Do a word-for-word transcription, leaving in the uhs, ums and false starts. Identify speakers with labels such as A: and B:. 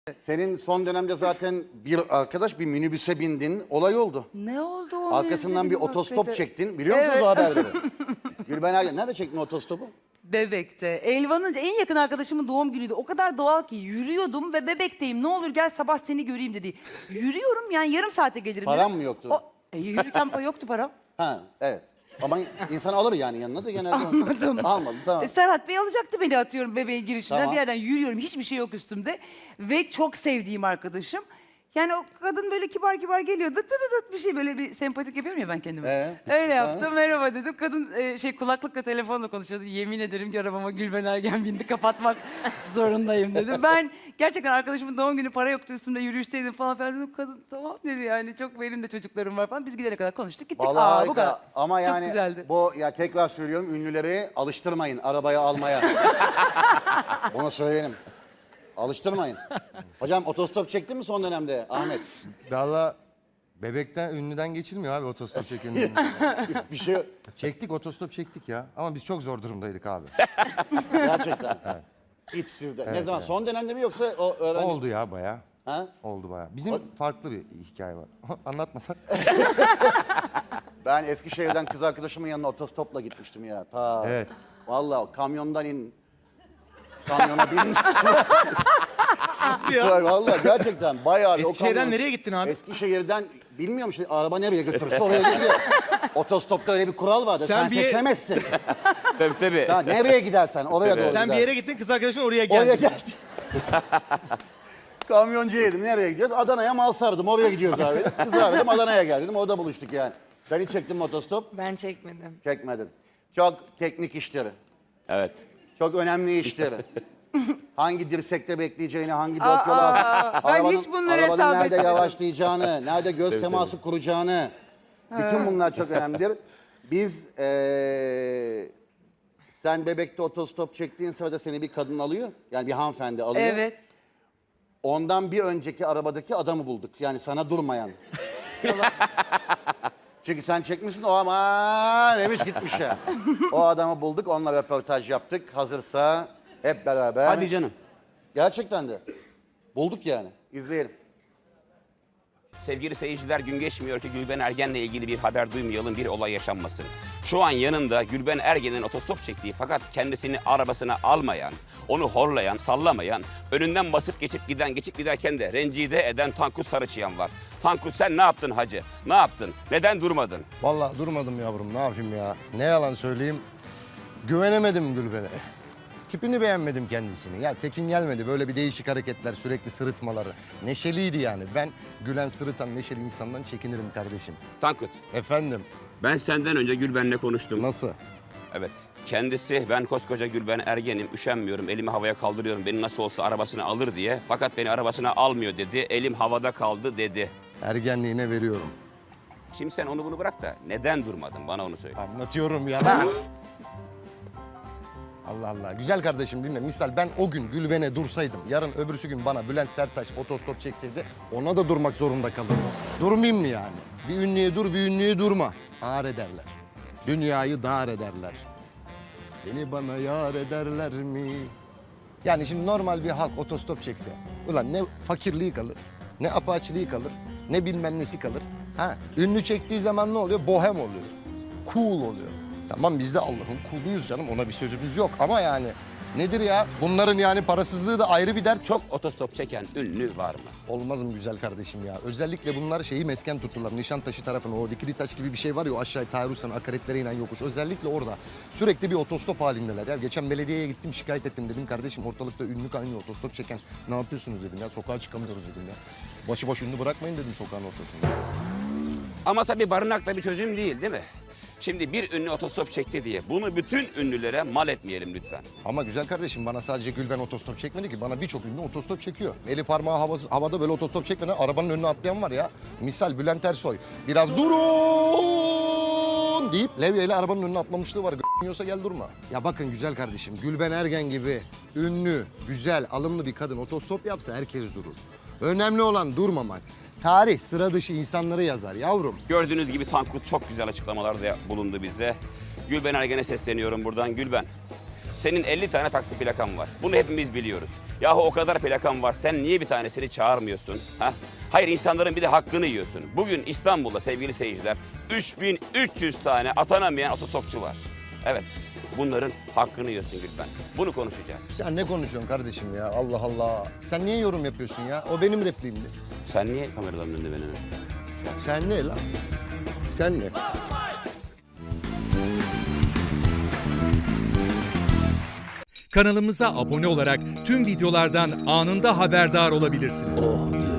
A: Senin son dönemde zaten bir arkadaş bir minibüse bindin, olay oldu.
B: Ne oldu o?
A: Arkasından bir
B: minibüse
A: otostop
B: binmek
A: çektin. Biliyor musunuz
B: Evet.
A: o haberleri? Gülben Ergen, nerede çektin otostopu?
B: Bebek'te. Elvan'ın en yakın arkadaşımın doğum günüydü. O kadar doğal ki yürüyordum ve Bebek'teyim. Ne olur gel sabah seni göreyim dedi. Yürüyorum yani yarım saate gelirim.
A: Param
B: dedim.
A: mı yoktu?
B: O, e, yürürken yoktu param.
A: Ha, evet. Ama insan alır yani yanına da genelde.
B: Almadım.
A: Almadım, tamam.
B: E, Serhat Bey alacaktı beni atıyorum bebeğin girişinden.
A: Tamam.
B: Bir yerden yürüyorum. Hiçbir şey yok üstümde. Ve çok sevdiğim arkadaşım. Yani o kadın böyle kibar kibar geliyor. Dıt dıt dıt bir şey böyle bir sempatik yapıyorum ya ben kendime.
A: Ee?
B: Öyle yaptım. Merhaba dedim. Kadın e, şey kulaklıkla telefonla konuşuyordu. Yemin ederim ki arabama Gülben Ergen bindi. Kapatmak zorundayım dedim. Ben gerçekten arkadaşımın doğum günü para yoktu üstümde yürüyüşteydim falan filan dedim. Kadın tamam dedi yani çok benim de çocuklarım var falan. Biz gidene kadar konuştuk gittik.
A: Vallahi
B: Aa, bu
A: harika.
B: kadar.
A: Ama yani
B: çok güzeldi.
A: bu ya tekrar söylüyorum ünlüleri alıştırmayın arabaya almaya. Bunu söyleyelim. Alıştırmayın. Hocam otostop çektin mi son dönemde Ahmet?
C: Valla bebekten ünlüden geçilmiyor abi otostop çekin.
A: Bir şey
C: Çektik otostop çektik ya. Ama biz çok zor durumdaydık abi.
A: gerçekten. Hiç sizde. ne zaman son dönemde mi yoksa o öğrenci?
C: Oldu ya baya.
A: Ha?
C: Oldu baya. Bizim farklı bir hikaye var. Anlatmasak.
A: Ben Eskişehir'den kız arkadaşımın yanına otostopla gitmiştim ya. Ta.
C: Evet.
A: Vallahi kamyondan in. Kamyona bin.
D: Nasıl ya?
A: Vallahi gerçekten bayağı bir o
D: Eskişehir'den
A: kamyon-
D: nereye gittin abi?
A: Eskişehir'den bilmiyorum işte araba nereye götürürse oraya gidiyor. Otostopta öyle bir kural vardı. Sen,
D: Sen bir-
A: seçemezsin.
E: Tabii tabii.
A: Sen nereye gidersen oraya doğru
D: Sen
A: gidersin.
D: bir yere gittin, kız arkadaşın oraya geldi.
A: Oraya geldi. Kamyoncuya dedim nereye gidiyoruz? Adana'ya mal sardım oraya gidiyoruz abi. Kızı aradım Adana'ya gel dedim orada buluştuk yani. Sen hiç çektin mi otostop?
F: Ben çekmedim.
A: Çekmedim. Çok teknik işleri.
E: Evet.
A: Çok önemli işleri. Hangi dirsekte bekleyeceğini, hangi dört yola...
B: ben hiç bunları
A: arabanın
B: hesap
A: nerede
B: etmedim.
A: yavaşlayacağını, nerede göz teması kuracağını... Bütün bunlar çok önemlidir. Biz eee, sen Bebek'te otostop çektiğin sırada seni bir kadın alıyor. Yani bir hanımefendi alıyor.
B: Evet.
A: Ondan bir önceki arabadaki adamı bulduk. Yani sana durmayan. Çünkü sen çekmişsin o ama demiş gitmiş ya. O adamı bulduk, onunla röportaj yaptık. Hazırsa hep beraber.
E: Hadi canım.
A: Gerçekten de. Bulduk yani. İzleyelim.
E: Sevgili seyirciler, gün geçmiyor ki Gülben Ergen'le ilgili bir haber duymayalım, bir olay yaşanmasın. Şu an yanında Gülben Ergen'in otostop çektiği fakat kendisini arabasına almayan, onu horlayan, sallamayan, önünden basıp geçip giden, geçip giderken de rencide eden Tankut Sarıçıyan var. Tankut sen ne yaptın hacı? Ne yaptın? Neden durmadın?
C: Vallahi durmadım yavrum ne yapayım ya. Ne yalan söyleyeyim. Güvenemedim Gülben'e. Tipini beğenmedim kendisini. Ya tekin gelmedi. Böyle bir değişik hareketler, sürekli sırıtmaları. Neşeliydi yani. Ben gülen, sırıtan, neşeli insandan çekinirim kardeşim.
E: Tankut,
C: Efendim,
E: ben senden önce Gülben'le konuştum.
C: nasıl?
E: Evet. Kendisi ben koskoca Gülben Ergen'im, üşenmiyorum, elimi havaya kaldırıyorum, beni nasıl olsa arabasına alır diye. Fakat beni arabasına almıyor dedi, elim havada kaldı dedi.
C: Ergenliğine veriyorum.
E: Şimdi sen onu bunu bırak da neden durmadın? Bana onu söyle.
C: Anlatıyorum ya lan. Allah Allah. Güzel kardeşim dinle. Misal ben o gün Gülben'e dursaydım, yarın öbürsü gün bana Bülent Serttaş otostop çekseydi ona da durmak zorunda kalırdım. Durmayayım mı yani? Bir ünlüye dur, bir ünlüye durma. Ağır ederler. Dünyayı dar ederler. Seni bana yar ederler mi? Yani şimdi normal bir halk otostop çekse, ulan ne fakirliği kalır, ne apaçiliği kalır, ne bilmem nesi kalır. Ha, ünlü çektiği zaman ne oluyor? Bohem oluyor. Cool oluyor. Tamam biz de Allah'ın kuluyuz canım, ona bir sözümüz yok ama yani nedir ya? Bunların yani parasızlığı da ayrı bir dert.
E: Çok otostop çeken ünlü var mı?
C: Olmaz mı güzel kardeşim ya? Özellikle bunlar şeyi mesken tuttular. Nişantaşı tarafına o dikili taş gibi bir şey var ya o aşağı Tayrus'tan akaretlere inen yokuş. Özellikle orada sürekli bir otostop halindeler. Ya geçen belediyeye gittim şikayet ettim dedim kardeşim ortalıkta ünlü kaynıyor otostop çeken. Ne yapıyorsunuz dedim ya sokağa çıkamıyoruz dedim ya. Başıboş ünlü bırakmayın dedim sokağın ortasında.
E: Ama tabii barınak da bir çözüm değil değil mi? Şimdi bir ünlü otostop çekti diye bunu bütün ünlülere mal etmeyelim lütfen.
C: Ama güzel kardeşim bana sadece Gülben otostop çekmedi ki. Bana birçok ünlü otostop çekiyor. Eli parmağı havası, havada böyle otostop çekmeden arabanın önüne atlayan var ya. Misal Bülent Ersoy. Biraz durun deyip levyeyle arabanın önüne atlamışlığı var. G***yiyorsa gel durma. Ya bakın güzel kardeşim Gülben Ergen gibi ünlü, güzel, alımlı bir kadın otostop yapsa herkes durur. Önemli olan durmamak. Tarih sıra dışı insanları yazar yavrum.
E: Gördüğünüz gibi Tankut çok güzel açıklamalarda bulundu bize. Gülben Ergen'e sesleniyorum buradan. Gülben, senin elli tane taksi plakan var. Bunu hepimiz biliyoruz. Yahu o kadar plakan var. Sen niye bir tanesini çağırmıyorsun? Ha? Hayır, insanların bir de hakkını yiyorsun. Bugün İstanbul'da sevgili seyirciler üç bin üç yüz tane atanamayan otostopçu var. Evet. Bunların hakkını yiyorsun Gülben. Bunu konuşacağız.
C: Sen ne konuşuyorsun kardeşim ya? Allah Allah. Sen niye yorum yapıyorsun ya? O benim repliğimdi.
E: Sen niye kameraların önünde beni?
C: Sen ne lan? Sen ne?
D: Kanalımıza abone olarak tüm videolardan anında haberdar olabilirsiniz.
C: Oh